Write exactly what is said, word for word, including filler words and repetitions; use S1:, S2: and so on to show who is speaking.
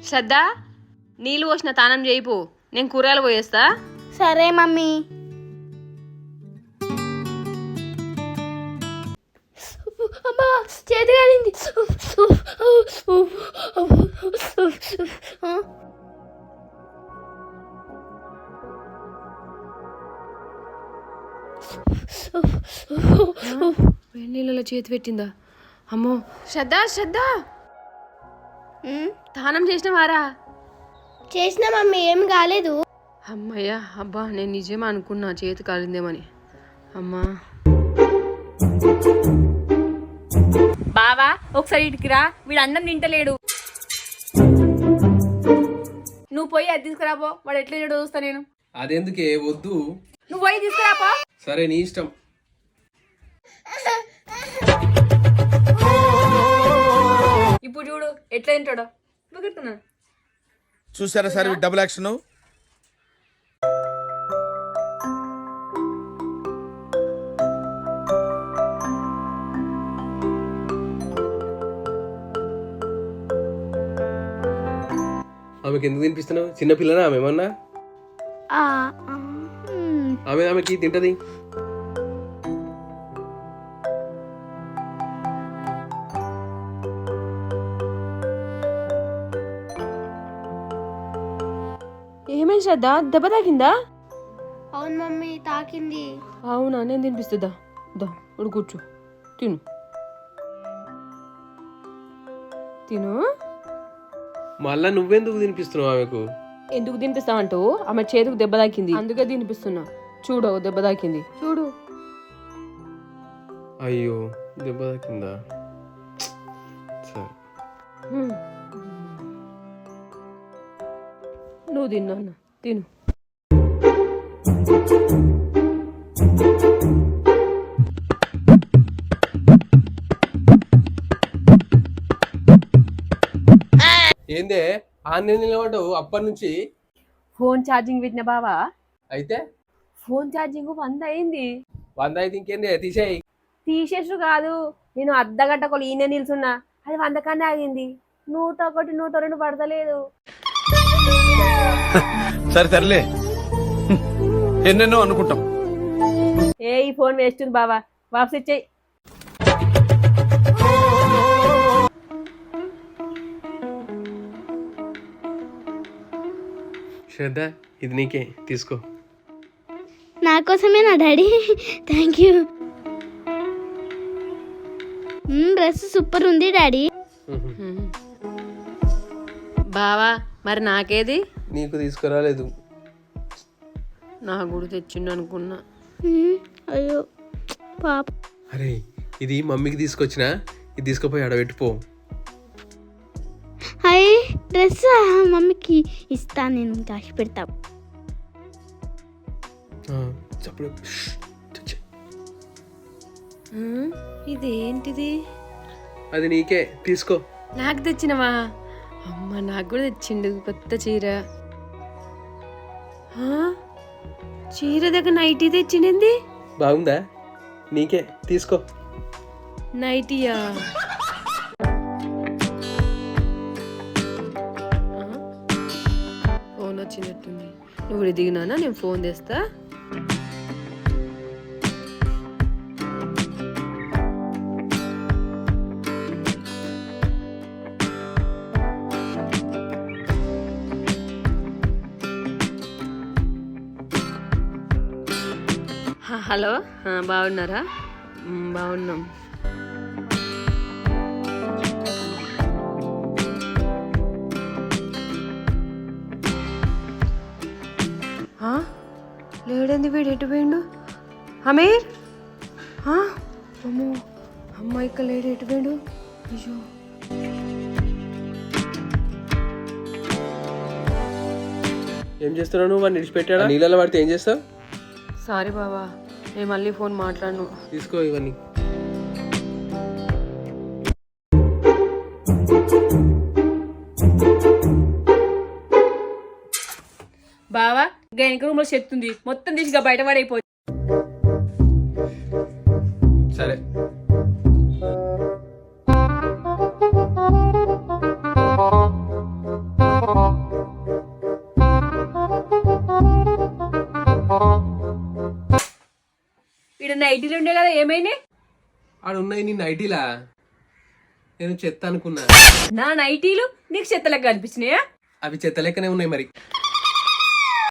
S1: శ్రద్ధ నీళ్ళు పోసిన తానం చేయిపో, నేను కూరగాయలు పోయేస్తా.
S2: సరే మమ్మీ. అమ్మా చేతి కాలింది.
S1: వేడి నీళ్ళలో చేతి పెట్టిందా? అమ్మో. శ్రద్ధ శ్రద్ధ తానం చేసినవారా?
S2: చేసిన మమ్మీ, ఏం కాలేదు.
S1: అమ్మయ్యా, అబ్బా నేను నిజమే అనుకున్నా చేతి కాలిందేమని. అమ్మా
S3: బావా ఒకసారి ఇటుకి రా, వీడు అన్నం తింటలేడు. నువ్వు పోయి అది తీసుకురాపో, వాడు ఎట్లా చేయడో చూస్తా నేను.
S4: అదెందుకే వద్దు.
S3: నువ్వు పోయి తీసుకురాపో.
S4: సరే నీ ఇష్టం.
S3: ఇప్పుడు చూడు ఎట్లా తింటాడో.
S5: చూసారా సార్ డబుల్ యాక్షన్.
S4: ఆమెకి ఎందుకు తినిపిస్తున్నావు? చిన్నపిల్లనా ఆమె ఏమన్నా? ఆమె ఆమెకి తింటది.
S1: ఏమైంది శ్రద్ధ, దెబ్బ తాకిందా?
S2: అవును మమ్మీ, తాకింది.
S1: అవునా, నేను తినిపిస్తుందా? దా ఇప్పుడు కూర్చో, తిను తిను.
S4: మళ్ళా నువ్వెందుకు తినిపిస్తున్నావు ఆమెకు?
S1: ఎందుకు తినిపిస్తావంటూ? ఆమె చేతికి దెబ్బ తాకింది, అందుకే తినిపిస్తున్నా. చూడు దెబ్బ తాకింది, చూడు.
S4: అయ్యో దెబ్బ తాకిందా? సరే
S1: నువ్వు తిన్నా తిను.
S4: ఏందే ఆన్లైన్ నిలబడ్డావు అప్పటి నుంచి?
S1: ఫోన్ ఛార్జింగ్ పెట్టిన బావా.
S4: అయితే
S1: ఫోన్ ఛార్జింగ్ వంద అయింది.
S4: వంద అయితే ఇంకేందే తీసేయి.
S1: తీసేసు కాదు, నేను అర్ధగంట కొలు ఈయన నిల్చున్నా, అది వంద కన్నా ఆగింది. నూట ఒకటి నూట రెండు పడతలేదు.
S5: సరే సర్లే, ఎన్నెన్నో అనుకుంటాం.
S1: ఏ ఈ ఫోన్ వేస్ట్ ఉంది బావా, వాపస్ ఇచ్చేయి.
S4: శ్రద్ధ ఇది నీకే, తీసుకో.
S2: నా కోసమేనా daddy? Thank you. Dress super ఉంది డాడీ.
S1: బావా మరి నాకేది?
S4: నీకు తీసుకురాలేదు.
S1: నా కూడా తెచ్చిండు అనుకున్నా.
S2: అయ్యో పాప.
S4: అరే ఇది మమ్మీకి తీసుకొచ్చినా, ఇది తీసుకుపోయి ఆడబెట్టిపో.
S2: హాయ్ డ్రెస్ మమ్మీకి ఇస్తా, నేను దాచి పెడతా.
S4: చప్పుడు.
S1: ఇదేంటిది?
S4: అది నీకే, తీసుకో.
S1: నాకు తెచ్చినవా? అమ్మ నాకు కూడా తెచ్చిండు కొత్త చీర. చీర దగ్గర నైటీ తెచ్చిండింది.
S4: బాగుందా? నీకే, తీసుకో.
S1: నైటీయా? ఫోన్ వచ్చినట్టుంది. నువ్వు దిగినానా, నేను ఫోన్ తెస్తా. హలో, బాగున్నారా? బాగున్నాం. లేడంది వీడు, ఎటు పోయిండు? అమీర్, అమ్మో అమ్మాయి ఇక్కడ లేడు, ఎటు పోయిండు? అయ్యో
S4: ఏం చేస్తున్నావు నువ్వు? వాడిని విడిచిపెట్టాడా? నీళ్ళలో పడితే ఏం చేస్తావు?
S1: సారీ బావా, నేను మళ్ళీ ఫోన్ మాట్లాడను.
S4: తీసుకో ఇవన్నీ.
S3: బావా గైనిక రూమ్ లో శక్తి ఉంది, మొత్తం తీసిగా బయట పడైపోయి.
S4: సరే
S3: నైటీలు ఉండే కదా ఏమైనాయి?
S4: ఆడ ఉన్నాయి నీ నైటీలా నేను చెత్త అనుకున్నా.
S3: నా నైటీలు నీకు చెత్తలకు కనిపించినాయా?
S4: అవి చెత్త లెక్కనే ఉన్నాయి మరి.